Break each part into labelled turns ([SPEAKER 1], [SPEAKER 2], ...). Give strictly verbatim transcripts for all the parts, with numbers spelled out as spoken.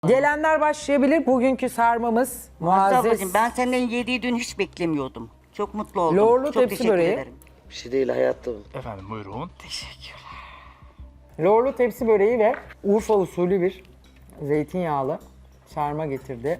[SPEAKER 1] Gelenler başlayabilir. Bugünkü sarmamız Muazzez.
[SPEAKER 2] Ablacığım, ben senden yediği dün hiç beklemiyordum. Çok mutlu oldum.
[SPEAKER 1] Lorlu
[SPEAKER 2] Çok
[SPEAKER 1] tepsi
[SPEAKER 2] teşekkür
[SPEAKER 1] böreği.
[SPEAKER 2] ederim.
[SPEAKER 3] Bir şey değil hayatım.
[SPEAKER 4] Efendim buyurun.
[SPEAKER 1] Lorlu tepsi böreği ve Urfa usulü bir zeytinyağlı sarma getirdi.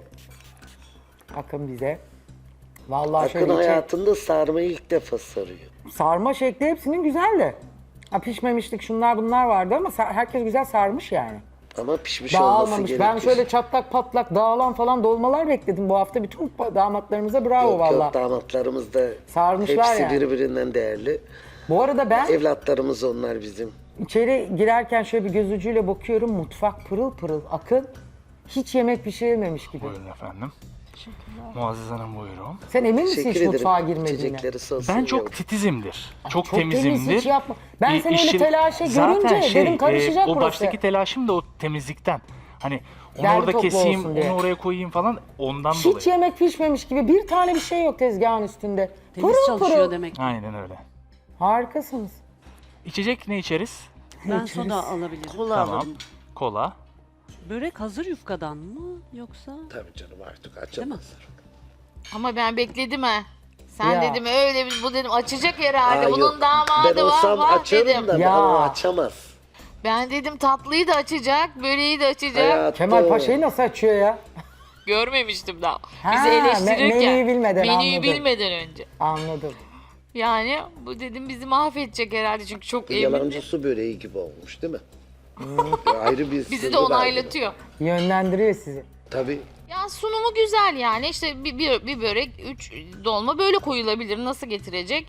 [SPEAKER 1] Akın bize. Vallahi
[SPEAKER 3] Akın
[SPEAKER 1] şöyle içe-
[SPEAKER 3] hayatında sarmayı ilk defa sarıyor.
[SPEAKER 1] sarma şekli hepsinin güzeldi. Ha, pişmemişlik şunlar bunlar vardı ama sa- herkes güzel sarmış yani.
[SPEAKER 3] Ama pişmiş olması
[SPEAKER 1] Dağılmamış.
[SPEAKER 3] gerekir.
[SPEAKER 1] Ben şöyle çatlak patlak dağılan falan dolmalar bekledim bu hafta. Bütün pa- damatlarımıza bravo
[SPEAKER 3] Yok
[SPEAKER 1] valla.
[SPEAKER 3] yok, damatlarımız da
[SPEAKER 1] Sarmışlar
[SPEAKER 3] hepsi
[SPEAKER 1] yani.
[SPEAKER 3] birbirinden değerli.
[SPEAKER 1] Bu arada ben
[SPEAKER 3] Evlatlarımız onlar bizim.
[SPEAKER 1] İçeri girerken şöyle bir göz ucuyla bakıyorum. Mutfak pırıl pırıl. Akın hiç yemek pişirilmemiş gibi.
[SPEAKER 4] Buyurun efendim. Muazzez Hanım buyurun.
[SPEAKER 1] Sen emin misin
[SPEAKER 3] Teşekkür
[SPEAKER 1] hiç
[SPEAKER 3] ederim.
[SPEAKER 1] mutfağa girmediğine?
[SPEAKER 3] İçecekleri soğusun
[SPEAKER 4] Ben çok
[SPEAKER 3] yavrum.
[SPEAKER 4] titizimdir. Çok,
[SPEAKER 1] Çok temiz,
[SPEAKER 4] temizimdir.
[SPEAKER 1] hiç yapma. Ben
[SPEAKER 4] İ-
[SPEAKER 1] seni öyle
[SPEAKER 4] işin-
[SPEAKER 1] telaşe
[SPEAKER 4] Zaten
[SPEAKER 1] görünce
[SPEAKER 4] şey,
[SPEAKER 1] dedim karışacak
[SPEAKER 4] e, O
[SPEAKER 1] burası.
[SPEAKER 4] baştaki telaşım da o temizlikten. Hani onu
[SPEAKER 1] Derli
[SPEAKER 4] orada
[SPEAKER 1] toplu
[SPEAKER 4] keseyim,
[SPEAKER 1] olsun diye.
[SPEAKER 4] onu oraya koyayım falan ondan
[SPEAKER 1] Hiç
[SPEAKER 4] dolayı.
[SPEAKER 1] yemek pişmemiş gibi bir tane bir şey yok tezgahın üstünde.
[SPEAKER 5] Temiz
[SPEAKER 1] Pırıl
[SPEAKER 5] çalışıyor
[SPEAKER 1] pırıl.
[SPEAKER 5] demek.
[SPEAKER 4] Aynen öyle.
[SPEAKER 1] Harikasınız.
[SPEAKER 4] İçecek ne içeriz?
[SPEAKER 5] Ben soda alabilirim.
[SPEAKER 2] Kola
[SPEAKER 4] Tamam.
[SPEAKER 2] alırım.
[SPEAKER 4] Kola.
[SPEAKER 5] Börek hazır yufkadan mı yoksa?
[SPEAKER 3] Tabii canım artık
[SPEAKER 5] Değil mi?
[SPEAKER 3] açamazlar.
[SPEAKER 6] Ama ben bekledim ha. Sen
[SPEAKER 1] Ya.
[SPEAKER 6] dedim öyle bir- bu dedim açacak herhalde.
[SPEAKER 3] Aa,
[SPEAKER 6] Bunun
[SPEAKER 3] yok.
[SPEAKER 6] damadı
[SPEAKER 3] Ben
[SPEAKER 6] var
[SPEAKER 3] olsam
[SPEAKER 6] var
[SPEAKER 3] açarım
[SPEAKER 6] dedim.
[SPEAKER 3] da
[SPEAKER 1] Ya.
[SPEAKER 3] ama açamaz.
[SPEAKER 6] Ben dedim tatlıyı da açacak, böreği de açacak.
[SPEAKER 3] Hayatım.
[SPEAKER 1] Kemal Paşa'yı nasıl açıyor ya?
[SPEAKER 6] Görmemiştim daha.
[SPEAKER 1] Ha,
[SPEAKER 6] Bizi eleştirirken.
[SPEAKER 1] me- menüyü bilmeden,
[SPEAKER 6] menüyü
[SPEAKER 1] anladım.
[SPEAKER 6] bilmeden önce.
[SPEAKER 1] Anladım.
[SPEAKER 6] Yani bu dedim bizi mahvedecek herhalde çünkü çok emin.
[SPEAKER 3] Yalancı su böreği gibi olmuş değil mi? Ayrı bir
[SPEAKER 6] Bizi
[SPEAKER 3] sırrı
[SPEAKER 6] de
[SPEAKER 3] var
[SPEAKER 6] onaylatıyor.
[SPEAKER 1] Yönlendiriyor sizi.
[SPEAKER 3] bunun. Tabii.
[SPEAKER 6] Ya sunumu güzel yani işte bir, bir, bir börek, üç dolma böyle koyulabilir. Nasıl getirecek?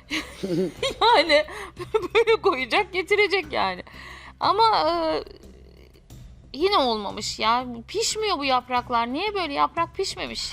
[SPEAKER 6] Yani böyle koyacak, getirecek yani. Ama e, yine olmamış ya. Pişmiyor bu yapraklar. Niye böyle yaprak pişmemiş?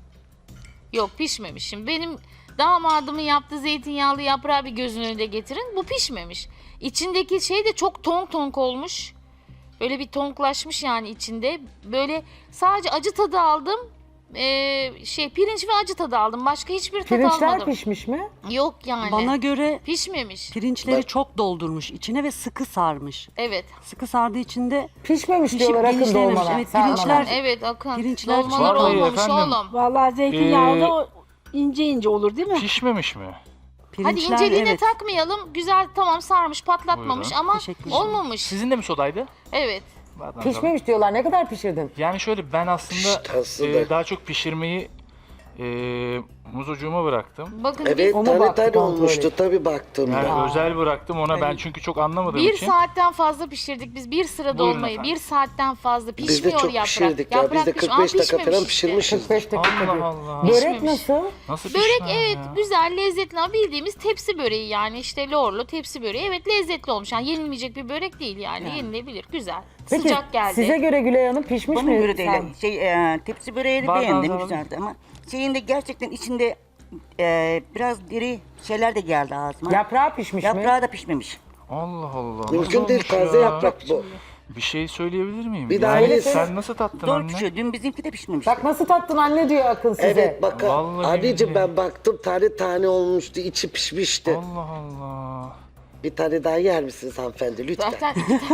[SPEAKER 6] Yok pişmemiş. Şimdi benim damadımın yaptığı zeytinyağlı yaprağı bir gözün önünde getirin. Bu pişmemiş. İçindeki şey de çok tonk tonk olmuş. Böyle bir tonklaşmış yani içinde. Böyle sadece acı tadı aldım. Ee, şey pirinç ve acı tadı aldım. Başka hiçbir tadı
[SPEAKER 1] Pirinçler
[SPEAKER 6] almadım.
[SPEAKER 1] pişmiş mi?
[SPEAKER 6] Yok yani.
[SPEAKER 5] Bana göre
[SPEAKER 6] Pişmemiş.
[SPEAKER 5] pirinçleri
[SPEAKER 3] Bak-
[SPEAKER 5] çok doldurmuş içine ve sıkı sarmış.
[SPEAKER 6] Evet.
[SPEAKER 5] Sıkı sardığı içinde
[SPEAKER 1] Pişmemiş
[SPEAKER 5] Pişip
[SPEAKER 1] diyorlar Akın
[SPEAKER 5] genişlememiş.
[SPEAKER 1] dolmalar.
[SPEAKER 5] Evet,
[SPEAKER 1] sarmalar.
[SPEAKER 5] pirinçler-
[SPEAKER 6] Evet Akın.
[SPEAKER 5] Pirinçler
[SPEAKER 6] Dolmalar
[SPEAKER 4] Vallahi
[SPEAKER 6] olmamış
[SPEAKER 4] efendim.
[SPEAKER 6] oğlum.
[SPEAKER 7] Vallahi zeytinyağlı
[SPEAKER 4] Ee,
[SPEAKER 7] o ince ince olur değil mi?
[SPEAKER 4] Pişmemiş mi?
[SPEAKER 6] Hadi
[SPEAKER 5] pirinçler
[SPEAKER 6] inceliğine
[SPEAKER 5] evet.
[SPEAKER 6] takmayalım. Güzel tamam sarmış patlatmamış
[SPEAKER 4] Buyurun.
[SPEAKER 6] ama
[SPEAKER 5] Teşekkür ederim.
[SPEAKER 6] olmamış.
[SPEAKER 4] Sizin de mi sodaydı?
[SPEAKER 6] Evet.
[SPEAKER 4] Zaten
[SPEAKER 1] Pişmemiş diyorlar. Ne kadar pişirdin?
[SPEAKER 4] Yani şöyle ben aslında
[SPEAKER 3] Pişt, aslında.
[SPEAKER 4] e, daha çok pişirmeyi e, muzucuğuma bıraktım.
[SPEAKER 6] Bakın
[SPEAKER 3] Evet
[SPEAKER 1] Onu
[SPEAKER 3] tane
[SPEAKER 1] baktı,
[SPEAKER 3] tane
[SPEAKER 1] kontrol
[SPEAKER 3] olmuştu
[SPEAKER 1] et.
[SPEAKER 3] tabii baktım
[SPEAKER 4] Yani
[SPEAKER 3] ben.
[SPEAKER 4] özel bıraktım ona ben çünkü çok anlamadığım
[SPEAKER 6] bir
[SPEAKER 4] için.
[SPEAKER 6] saatten fazla pişirdik biz bir sıra
[SPEAKER 4] Buyurun
[SPEAKER 6] dolmayı.
[SPEAKER 4] efendim.
[SPEAKER 6] Bir saatten fazla
[SPEAKER 3] Biz de
[SPEAKER 6] pişmiyor
[SPEAKER 3] çok
[SPEAKER 6] yaprak.
[SPEAKER 3] pişirdik ya. Biz
[SPEAKER 6] Yaprak
[SPEAKER 3] de
[SPEAKER 6] piş-
[SPEAKER 3] kırk beş
[SPEAKER 6] Aa,
[SPEAKER 3] dakika falan
[SPEAKER 6] pişmemiş işte.
[SPEAKER 3] pişirmişiz.
[SPEAKER 1] kırk beş dakika
[SPEAKER 4] Allah
[SPEAKER 1] diyor.
[SPEAKER 4] Allah.
[SPEAKER 1] Börek
[SPEAKER 6] Pişmemiş.
[SPEAKER 1] nasıl?
[SPEAKER 4] Nasıl
[SPEAKER 6] Börek
[SPEAKER 4] pişmez
[SPEAKER 6] evet
[SPEAKER 4] ya?
[SPEAKER 6] güzel lezzetli ama bildiğimiz tepsi böreği yani işte lorlu tepsi böreği evet lezzetli olmuş. Yani yenilmeyecek bir börek değil yani, yenilebilir güzel.
[SPEAKER 1] Peki
[SPEAKER 6] Sıcak geldi.
[SPEAKER 1] size göre Gülay Hanım pişmiş
[SPEAKER 2] Bana
[SPEAKER 1] mi?
[SPEAKER 2] göre değil.
[SPEAKER 1] Sen-
[SPEAKER 2] Şey, e, tepsi böreğini
[SPEAKER 4] Bardağınızı
[SPEAKER 2] beğendim
[SPEAKER 4] alalım.
[SPEAKER 2] güzeldi ama şeyinde gerçekten içinde e, biraz diri şeyler de geldi ağzıma.
[SPEAKER 1] Yaprağı pişmiş mi?
[SPEAKER 2] Yaprağı da pişmemiş.
[SPEAKER 4] Allah Allah. nasıl
[SPEAKER 3] Mümkün değil,
[SPEAKER 4] olmuş
[SPEAKER 3] taze
[SPEAKER 4] ya?
[SPEAKER 3] yaprak bu.
[SPEAKER 4] Bir şey söyleyebilir miyim?
[SPEAKER 3] Bir daha
[SPEAKER 4] yani
[SPEAKER 3] öyle
[SPEAKER 4] sen
[SPEAKER 1] söyle.
[SPEAKER 4] nasıl tattın
[SPEAKER 2] Zor
[SPEAKER 4] anne?
[SPEAKER 2] pişiyor. Dün bizimki de pişmemişti.
[SPEAKER 1] Bak nasıl tattın anne diyor Akın size.
[SPEAKER 3] Evet bak
[SPEAKER 4] Vallahi
[SPEAKER 3] anneciğim
[SPEAKER 4] billahi.
[SPEAKER 3] ben baktım tane tane olmuştu içi pişmişti.
[SPEAKER 4] Allah Allah.
[SPEAKER 3] Bir tane daha yer misiniz hanımefendi lütfen?
[SPEAKER 6] Zaten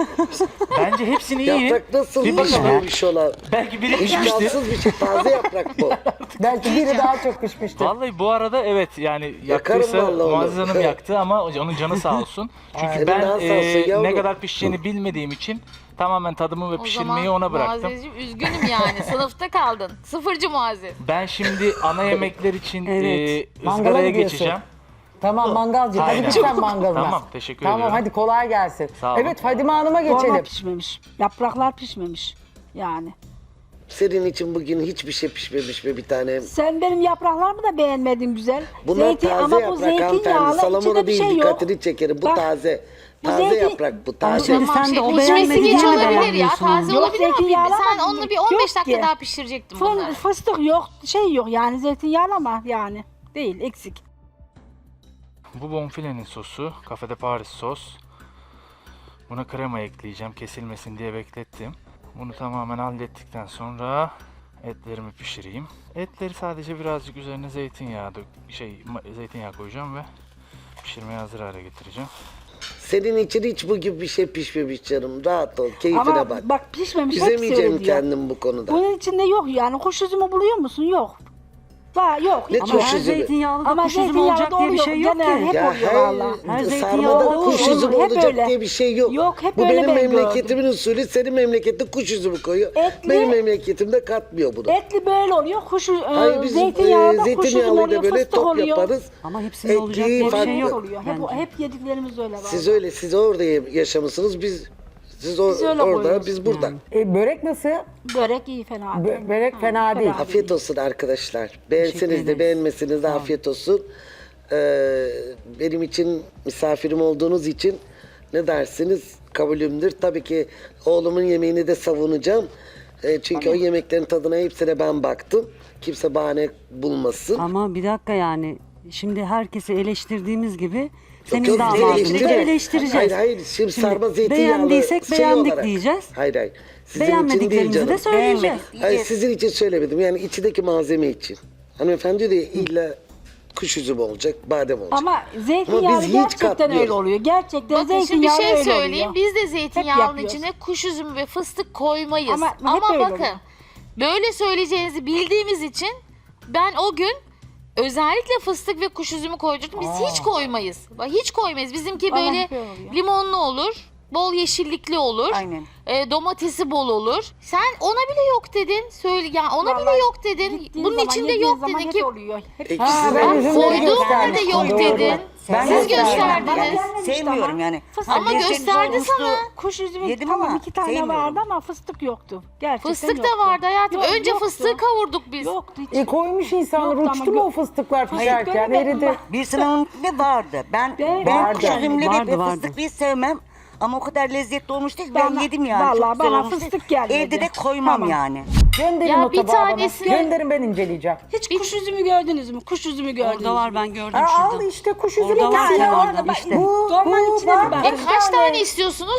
[SPEAKER 4] Bence hepsini yiyin.
[SPEAKER 3] Yaprak nasıl
[SPEAKER 4] Bir
[SPEAKER 3] pişmemiş olan?
[SPEAKER 4] Belki biri pişmiştir.
[SPEAKER 3] İmkansız bir şey taze yaprak bu.
[SPEAKER 1] Belki biri daha çok pişmiştir.
[SPEAKER 4] Vallahi bu arada evet yani
[SPEAKER 3] Yakarım
[SPEAKER 4] yaktıysa
[SPEAKER 3] vallahi onu.
[SPEAKER 4] Muazzez Hanım yaktı ama onun canı sağ olsun. Çünkü
[SPEAKER 3] Senin
[SPEAKER 4] ben
[SPEAKER 3] daha sağ
[SPEAKER 4] e,
[SPEAKER 3] olsun yavrum.
[SPEAKER 4] ne kadar pişeceğini bilmediğim için tamamen tadımı ve
[SPEAKER 6] o
[SPEAKER 4] pişirmeyi
[SPEAKER 6] zaman
[SPEAKER 4] ona bıraktım.
[SPEAKER 6] Muazzezciğim üzgünüm yani sınıfta kaldın. Sıfırcı Muazzez.
[SPEAKER 4] Ben şimdi ana yemekler için
[SPEAKER 5] Evet.
[SPEAKER 4] e,
[SPEAKER 1] Mangala
[SPEAKER 4] ızgaraya
[SPEAKER 1] gidiyorsun.
[SPEAKER 4] geçeceğim.
[SPEAKER 1] Tamam mangalcı. Hadi
[SPEAKER 4] Aynen.
[SPEAKER 1] git sen mangalına.
[SPEAKER 4] Tamam, teşekkür
[SPEAKER 1] tamam,
[SPEAKER 4] ediyorum.
[SPEAKER 1] Tamam hadi kolay gelsin.
[SPEAKER 4] Sağ olun.
[SPEAKER 1] Evet Fadime Hanım'a
[SPEAKER 7] Dolma
[SPEAKER 1] geçelim.
[SPEAKER 7] pişmemiş. Yapraklar pişmemiş. Yani.
[SPEAKER 3] Senin için bugün hiçbir şey pişmemiş mi bir tane?
[SPEAKER 7] Sen benim yapraklarımı da beğenmedin güzel.
[SPEAKER 3] Bunlar
[SPEAKER 7] Zeytin,
[SPEAKER 3] taze
[SPEAKER 7] ama bu
[SPEAKER 3] yaprak hanımefendi.
[SPEAKER 7] zeytinyağlı
[SPEAKER 3] Salamura
[SPEAKER 7] içinde bir
[SPEAKER 3] değil
[SPEAKER 7] şey yok.
[SPEAKER 3] dikkatini çekerim. Bu
[SPEAKER 7] Bak,
[SPEAKER 3] taze.
[SPEAKER 7] bu
[SPEAKER 3] Taze
[SPEAKER 7] zeytin-
[SPEAKER 3] yaprak bu
[SPEAKER 5] Ama
[SPEAKER 3] taze.
[SPEAKER 5] şimdi
[SPEAKER 6] Tamam,
[SPEAKER 5] sen de o
[SPEAKER 6] pişmesi
[SPEAKER 5] beğenmediğini
[SPEAKER 6] geç
[SPEAKER 5] mi
[SPEAKER 6] olabilir ya.
[SPEAKER 5] beğenmiyorsun?
[SPEAKER 6] Taze
[SPEAKER 7] Yok,
[SPEAKER 6] olabilir ama
[SPEAKER 7] zeytinyağlı
[SPEAKER 6] sen
[SPEAKER 7] ama
[SPEAKER 6] onunla bir on beş
[SPEAKER 7] yok
[SPEAKER 6] dakika
[SPEAKER 7] ki.
[SPEAKER 6] daha pişirecektin
[SPEAKER 7] Fın-
[SPEAKER 6] bunları.
[SPEAKER 7] fıstık yok, şey yok yani zeytinyağlı ama yani değil, eksik.
[SPEAKER 4] Bu bonfilenin sosu, kafede Paris sos. Buna krema ekleyeceğim kesilmesin diye beklettim. Bunu tamamen hallettikten sonra etlerimi pişireyim. Etleri sadece birazcık üzerine zeytinyağı dök, şey ma- zeytinyağı koyacağım ve pişirmeye hazır hale getireceğim.
[SPEAKER 3] Senin için hiç bu gibi bir şey pişmemiş canım. Rahat ol, keyfine
[SPEAKER 7] Ama
[SPEAKER 3] bak.
[SPEAKER 7] bak pişmemiş hepsi
[SPEAKER 3] Üzemeyeceğim
[SPEAKER 7] öyle diyor.
[SPEAKER 3] kendim bu konuda.
[SPEAKER 7] Bunun içinde yok yani. Kuş üzümü buluyor musun? Yok. Var yok.
[SPEAKER 3] Ne
[SPEAKER 7] hiç
[SPEAKER 5] Ama
[SPEAKER 3] kuş
[SPEAKER 7] yok.
[SPEAKER 5] her
[SPEAKER 3] üzümü?
[SPEAKER 5] zeytinyağlı da
[SPEAKER 7] Ama
[SPEAKER 5] kuş üzümü
[SPEAKER 7] zeytinyağlı
[SPEAKER 5] olacak
[SPEAKER 7] da
[SPEAKER 5] diye bir
[SPEAKER 7] oluyor.
[SPEAKER 5] şey yok
[SPEAKER 7] Genel
[SPEAKER 5] ki.
[SPEAKER 7] hep
[SPEAKER 3] Ya
[SPEAKER 7] oluyor
[SPEAKER 3] her,
[SPEAKER 7] valla.
[SPEAKER 5] Her zeytinyağı
[SPEAKER 3] sarmada
[SPEAKER 5] olur,
[SPEAKER 3] kuş
[SPEAKER 7] olur.
[SPEAKER 3] üzümü
[SPEAKER 7] Hep
[SPEAKER 3] olacak
[SPEAKER 7] öyle.
[SPEAKER 3] diye bir şey yok.
[SPEAKER 7] Yok, hep
[SPEAKER 3] Bu
[SPEAKER 7] öyle
[SPEAKER 3] benim
[SPEAKER 7] ben
[SPEAKER 3] memleketimin usulü, senin memlekette kuş üzümü koyuyor.
[SPEAKER 7] Etli-
[SPEAKER 3] Benim memleketimde katmıyor bunu.
[SPEAKER 7] Etli böyle oluyor. Kuş
[SPEAKER 3] Hayır
[SPEAKER 7] e,
[SPEAKER 3] bizim
[SPEAKER 7] zeytinyağlı
[SPEAKER 3] e,
[SPEAKER 7] da kuş üzümü
[SPEAKER 3] zeytinyağlıyı
[SPEAKER 7] oluyor.
[SPEAKER 3] da böyle
[SPEAKER 7] Fıstık
[SPEAKER 3] top
[SPEAKER 7] oluyor.
[SPEAKER 3] yaparız.
[SPEAKER 5] Ama hepsinde olacak diye bir
[SPEAKER 3] farklı.
[SPEAKER 5] şey yok.
[SPEAKER 7] oluyor. Hep,
[SPEAKER 5] bence.
[SPEAKER 7] hep yediklerimiz öyle var.
[SPEAKER 3] Siz öyle, siz orada yaşamışsınız, biz siz o-
[SPEAKER 7] Biz öyle
[SPEAKER 3] orada,
[SPEAKER 7] koyuyoruz.
[SPEAKER 3] biz burada.
[SPEAKER 1] E, börek nasıl?
[SPEAKER 7] Börek iyi fena değil.
[SPEAKER 1] Bö- börek fena değil.
[SPEAKER 3] Afiyet olsun arkadaşlar. Beğenseniz de
[SPEAKER 5] ederiz.
[SPEAKER 3] beğenmeseniz de afiyet olsun. Ee, benim için misafirim olduğunuz için ne dersiniz kabulümdür. Tabii ki oğlumun yemeğini de savunacağım. Ee, çünkü o yemeklerin tadına hepsine ben baktım. Kimse bahane bulmasın.
[SPEAKER 5] Ama bir dakika yani şimdi herkesi eleştirdiğimiz gibi senin
[SPEAKER 3] Yok,
[SPEAKER 5] damadını da
[SPEAKER 3] eleştirme.
[SPEAKER 5] eleştireceğiz.
[SPEAKER 3] Hayır hayır şimdi, sarma zeytinyağlı
[SPEAKER 5] beğendiysek
[SPEAKER 3] şey
[SPEAKER 5] beğendik
[SPEAKER 3] olarak.
[SPEAKER 5] diyeceğiz.
[SPEAKER 3] Hayır hayır. Sizin için değil
[SPEAKER 5] Beğenmediklerimizi
[SPEAKER 3] canım.
[SPEAKER 5] de söyleyeceğiz.
[SPEAKER 2] Beğenmedik
[SPEAKER 3] Hayır
[SPEAKER 2] diyeceğiz.
[SPEAKER 3] sizin için söylemedim. Yani içindeki malzeme için. Hanımefendi de illa kuş üzümü olacak, badem olacak.
[SPEAKER 7] Ama
[SPEAKER 3] Ama
[SPEAKER 7] zeytinyağlı
[SPEAKER 3] biz hiç
[SPEAKER 7] gerçekten
[SPEAKER 3] katmıyoruz.
[SPEAKER 7] öyle oluyor. Gerçekten
[SPEAKER 6] Bakın şimdi bir
[SPEAKER 7] zeytinyağlı
[SPEAKER 6] şey
[SPEAKER 7] öyle
[SPEAKER 6] söyleyeyim.
[SPEAKER 7] oluyor.
[SPEAKER 6] Biz de zeytinyağının
[SPEAKER 7] yapıyoruz.
[SPEAKER 6] içine kuş üzümü ve fıstık koymayız.
[SPEAKER 7] Ama
[SPEAKER 6] Ama,
[SPEAKER 7] hep öyle
[SPEAKER 6] bakın
[SPEAKER 7] oluyor.
[SPEAKER 6] böyle söyleyeceğinizi bildiğimiz için ben o gün özellikle fıstık ve kuş üzümü koydurdum. Biz hiç koymayız. Bak hiç koymayız. Bizimki
[SPEAKER 7] Bana
[SPEAKER 6] böyle
[SPEAKER 7] hep öyle oluyor.
[SPEAKER 6] limonlu olur. Bol yeşillikli olur.
[SPEAKER 2] Aynen.
[SPEAKER 6] E, domatesi bol olur. Sen ona bile yok dedin. Söyle ya ona bile
[SPEAKER 7] Vallahi
[SPEAKER 6] yok dedin.
[SPEAKER 7] Gittiğin
[SPEAKER 6] Bunun
[SPEAKER 7] zaman,
[SPEAKER 6] içinde
[SPEAKER 7] yediğin
[SPEAKER 6] yok
[SPEAKER 7] zaman
[SPEAKER 6] dedin
[SPEAKER 7] hep
[SPEAKER 6] ki
[SPEAKER 7] oluyor. Hep
[SPEAKER 3] Ekşisi
[SPEAKER 1] Ha,
[SPEAKER 3] de
[SPEAKER 1] ben
[SPEAKER 3] var.
[SPEAKER 1] üzümleri
[SPEAKER 6] koyduğum halde
[SPEAKER 1] göstermiştim,
[SPEAKER 6] yok
[SPEAKER 1] doğru.
[SPEAKER 6] dedin.
[SPEAKER 1] Ben
[SPEAKER 6] Siz
[SPEAKER 1] gösterdim.
[SPEAKER 7] Bana
[SPEAKER 6] gösterdiniz.
[SPEAKER 7] gelmemişti
[SPEAKER 2] Sevmiyorum
[SPEAKER 7] ama.
[SPEAKER 2] yani.
[SPEAKER 7] Fıstık
[SPEAKER 6] Ama
[SPEAKER 2] lezzetli
[SPEAKER 6] gösterdi
[SPEAKER 2] olmuştu.
[SPEAKER 6] sana.
[SPEAKER 7] Kuş üzümü
[SPEAKER 2] Yedim
[SPEAKER 7] tamam
[SPEAKER 2] ama
[SPEAKER 7] iki tane
[SPEAKER 2] sevmiyorum.
[SPEAKER 7] vardı ama fıstık yoktu. Gerçekten
[SPEAKER 6] Fıstık da
[SPEAKER 7] yoktu.
[SPEAKER 6] vardı hayatım.
[SPEAKER 7] Yok,
[SPEAKER 6] Önce
[SPEAKER 7] yoktu.
[SPEAKER 6] fıstığı kavurduk biz.
[SPEAKER 7] Yoktu hiç.
[SPEAKER 1] E koymuş insanlar,
[SPEAKER 7] Yoktu ama
[SPEAKER 1] uçtu mu
[SPEAKER 7] gö-
[SPEAKER 1] o fıstıklar
[SPEAKER 7] Hayır,
[SPEAKER 1] pişerken?
[SPEAKER 7] göremedim
[SPEAKER 1] Eridi.
[SPEAKER 7] ben.
[SPEAKER 2] Bir sınavın ne vardı? Ben
[SPEAKER 7] Ben-
[SPEAKER 2] ben
[SPEAKER 1] Vardı.
[SPEAKER 2] kuş üzümleri
[SPEAKER 5] Vardı,
[SPEAKER 2] ve
[SPEAKER 5] vardı.
[SPEAKER 2] fıstıklı sevmem. Ama o kadar lezzetli olmuştu ki ben
[SPEAKER 7] Bana-
[SPEAKER 2] yedim yani.
[SPEAKER 7] vallahi
[SPEAKER 2] Çok güzel
[SPEAKER 7] bana
[SPEAKER 2] olmuştu.
[SPEAKER 7] fıstık gelmedi.
[SPEAKER 2] Evde de koymam
[SPEAKER 7] Tamam.
[SPEAKER 2] yani.
[SPEAKER 1] Gönderin
[SPEAKER 6] Ya
[SPEAKER 1] o
[SPEAKER 6] bir
[SPEAKER 1] tabağı bana.
[SPEAKER 6] tanesini-
[SPEAKER 1] Gönderin, ben inceleyeceğim.
[SPEAKER 7] Hiç kuş üzümü gördünüz mü? Kuş üzümü gördünüz
[SPEAKER 5] Orada var
[SPEAKER 7] mü?
[SPEAKER 5] ben gördüm
[SPEAKER 1] Ha,
[SPEAKER 5] şurada.
[SPEAKER 1] al işte kuş üzümü.
[SPEAKER 5] Orada var
[SPEAKER 1] tane
[SPEAKER 5] ya,
[SPEAKER 1] var.
[SPEAKER 5] orada bak,
[SPEAKER 1] Bu, bu,
[SPEAKER 7] Dolmanın içine
[SPEAKER 1] bak,
[SPEAKER 7] bir bak.
[SPEAKER 6] E
[SPEAKER 1] bir
[SPEAKER 6] kaç
[SPEAKER 1] tane.
[SPEAKER 6] tane istiyorsunuz?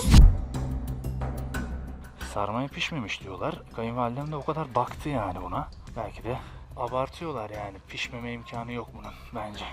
[SPEAKER 4] Sarmayı pişmemiş diyorlar. Kayınvalidem de o kadar baktı yani buna. Belki de abartıyorlar yani. Pişmeme imkanı yok bunun bence.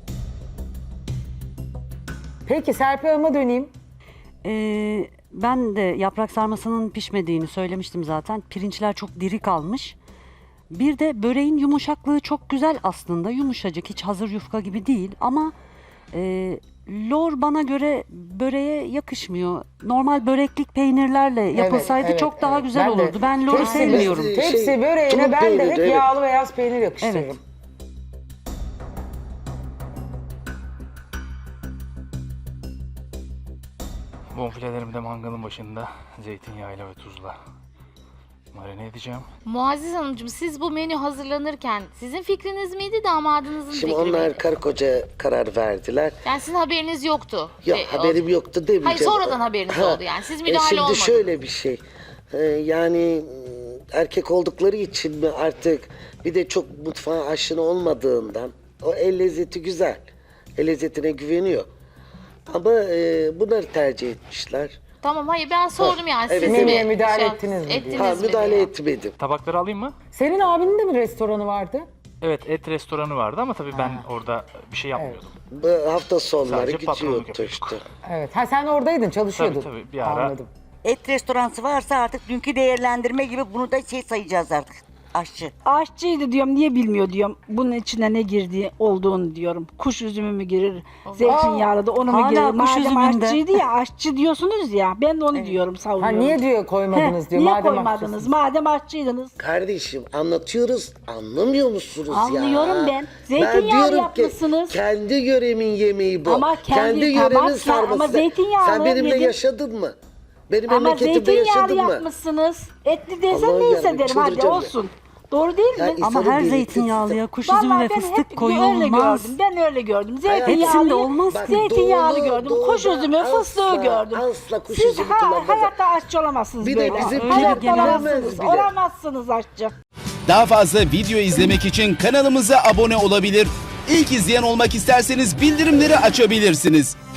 [SPEAKER 1] Peki Serpil Hanım'a döneyim.
[SPEAKER 5] Ee, ben de yaprak sarmasının pişmediğini söylemiştim zaten. Pirinçler çok diri kalmış. Bir de böreğin yumuşaklığı çok güzel aslında. Yumuşacık, hiç hazır yufka gibi değil. Ama e, lor bana göre böreğe yakışmıyor. Normal böreklik peynirlerle yapılsaydı
[SPEAKER 1] evet,
[SPEAKER 5] çok daha
[SPEAKER 1] evet.
[SPEAKER 5] güzel
[SPEAKER 1] Ben de
[SPEAKER 5] olurdu. Ben loru
[SPEAKER 1] tepsi-
[SPEAKER 5] sevmiyorum.
[SPEAKER 3] Şey,
[SPEAKER 1] Tepsi böreğine
[SPEAKER 3] tulum
[SPEAKER 1] ben de hep
[SPEAKER 3] peyniri, evet.
[SPEAKER 1] yağlı beyaz peynir yakıştırırım.
[SPEAKER 5] Evet.
[SPEAKER 4] Bonfilelerimi de mangalın başında zeytinyağıyla ve tuzla marine edeceğim.
[SPEAKER 6] Muazzez Hanımcığım siz bu menü hazırlanırken sizin fikriniz miydi damadınızın
[SPEAKER 3] Şimdi
[SPEAKER 6] fikri
[SPEAKER 3] onlar
[SPEAKER 6] miydi?
[SPEAKER 3] karı koca karar verdiler.
[SPEAKER 6] Yani sizin haberiniz yoktu.
[SPEAKER 3] Yok
[SPEAKER 6] E,
[SPEAKER 3] haberim yoktu demeyeceğim.
[SPEAKER 6] Hayır, sonradan haberiniz oldu yani. Siz müdahale
[SPEAKER 3] şimdi
[SPEAKER 6] olmadınız.
[SPEAKER 3] şöyle bir şey. Ee, yani m, erkek oldukları için mi artık bir de çok mutfağa aşina olmadığından o el lezzeti güzel. El lezzetine güveniyor. Ama e, bunları tercih etmişler.
[SPEAKER 6] Tamam hayır ben sordum yani.
[SPEAKER 3] evet,
[SPEAKER 6] Siz
[SPEAKER 3] evet.
[SPEAKER 6] mi
[SPEAKER 1] Menüye müdahale
[SPEAKER 6] şey-
[SPEAKER 1] ettiniz mi diye.
[SPEAKER 6] ettiniz
[SPEAKER 3] Ha
[SPEAKER 6] mi
[SPEAKER 3] müdahale
[SPEAKER 6] diye.
[SPEAKER 3] etmedim.
[SPEAKER 4] Tabakları alayım mı?
[SPEAKER 1] Senin abinin de mi restoranı vardı?
[SPEAKER 4] Evet, et restoranı vardı ama tabii ben orada bir şey yapmıyordum.
[SPEAKER 3] Bu hafta sonları
[SPEAKER 4] Sadece patronluk
[SPEAKER 3] gidiyordu
[SPEAKER 4] yapıyorduk.
[SPEAKER 3] işte.
[SPEAKER 1] Evet. Ha sen oradaydın, çalışıyordun.
[SPEAKER 4] Tabii, tabii, bir ara-
[SPEAKER 1] Anladım.
[SPEAKER 2] Et restoransı varsa artık dünkü değerlendirme gibi bunu da şey sayacağız artık. Aşçı.
[SPEAKER 7] Aşçıydı diyorum, niye bilmiyor diyorum. Bunun içine ne girdiği olduğunu diyorum. Kuş üzümü mü girir, zeytinyağlı da onu mu
[SPEAKER 5] Hala
[SPEAKER 7] girir?
[SPEAKER 5] kuş
[SPEAKER 7] Madem
[SPEAKER 5] üzümünde.
[SPEAKER 7] aşçıydı ya, aşçı diyorsunuz ya, ben de onu diyorum,
[SPEAKER 1] Ha
[SPEAKER 7] savunuyorum.
[SPEAKER 1] niye diyor koymadınız
[SPEAKER 7] Heh,
[SPEAKER 1] diyor.
[SPEAKER 7] niye
[SPEAKER 1] madem
[SPEAKER 7] koymadınız?
[SPEAKER 1] haklısınız.
[SPEAKER 7] Madem aşçıydınız.
[SPEAKER 3] Kardeşim anlatıyoruz, anlamıyor musunuz ya?
[SPEAKER 7] Anlıyorum ben. Zeytinyağlı
[SPEAKER 3] diyorum ki,
[SPEAKER 7] yapmışsınız.
[SPEAKER 3] kendi yöremin yemeği bu.
[SPEAKER 7] Ama kendi-
[SPEAKER 3] yöremin
[SPEAKER 7] tamam, sen-
[SPEAKER 3] sarması.
[SPEAKER 7] ama zeytinyağlı
[SPEAKER 3] Sen benimle
[SPEAKER 7] yedin.
[SPEAKER 3] yaşadın mı? Benim
[SPEAKER 7] Ama
[SPEAKER 3] memleketimde
[SPEAKER 7] zeytinyağlı
[SPEAKER 3] yaşadın mı?
[SPEAKER 7] yapmışsınız. Etli desen
[SPEAKER 3] Allah'ım
[SPEAKER 7] neyse
[SPEAKER 3] yarabbim,
[SPEAKER 7] derim, hadi
[SPEAKER 3] çıldıracağım ya.
[SPEAKER 7] olsun. Doğru değil
[SPEAKER 3] Ya
[SPEAKER 7] mi?
[SPEAKER 3] İnsanın
[SPEAKER 5] Ama her
[SPEAKER 3] birlikte-
[SPEAKER 5] zeytinyağlıya kuş üzümü
[SPEAKER 7] Vallahi
[SPEAKER 5] ve
[SPEAKER 7] ben
[SPEAKER 5] fıstık
[SPEAKER 7] hep öyle
[SPEAKER 5] koyulmaz.
[SPEAKER 7] gördüm. Ben öyle gördüm.
[SPEAKER 3] Hayatım,
[SPEAKER 5] Hepsinde
[SPEAKER 7] Zeytinyağlı,
[SPEAKER 5] olmaz
[SPEAKER 3] Bak,
[SPEAKER 5] ki.
[SPEAKER 7] zeytinyağlı
[SPEAKER 3] doğu-
[SPEAKER 7] gördüm.
[SPEAKER 3] doğuda
[SPEAKER 7] Kuş üzümü, fıstığı
[SPEAKER 3] asla-
[SPEAKER 7] gördüm.
[SPEAKER 3] asla kuş
[SPEAKER 7] Siz
[SPEAKER 3] üzümü
[SPEAKER 7] ha,
[SPEAKER 3] kullanmazlar.
[SPEAKER 7] hayatta aşçı olamazsınız
[SPEAKER 3] Bir de
[SPEAKER 7] böyle.
[SPEAKER 3] bizim
[SPEAKER 7] Hayatta
[SPEAKER 5] Türkiye
[SPEAKER 7] olamazsınız.
[SPEAKER 3] bile.
[SPEAKER 7] Olamazsınız aşçı.
[SPEAKER 8] Daha fazla video izlemek için kanalımıza abone olabilir. İlk izleyen olmak isterseniz bildirimleri açabilirsiniz.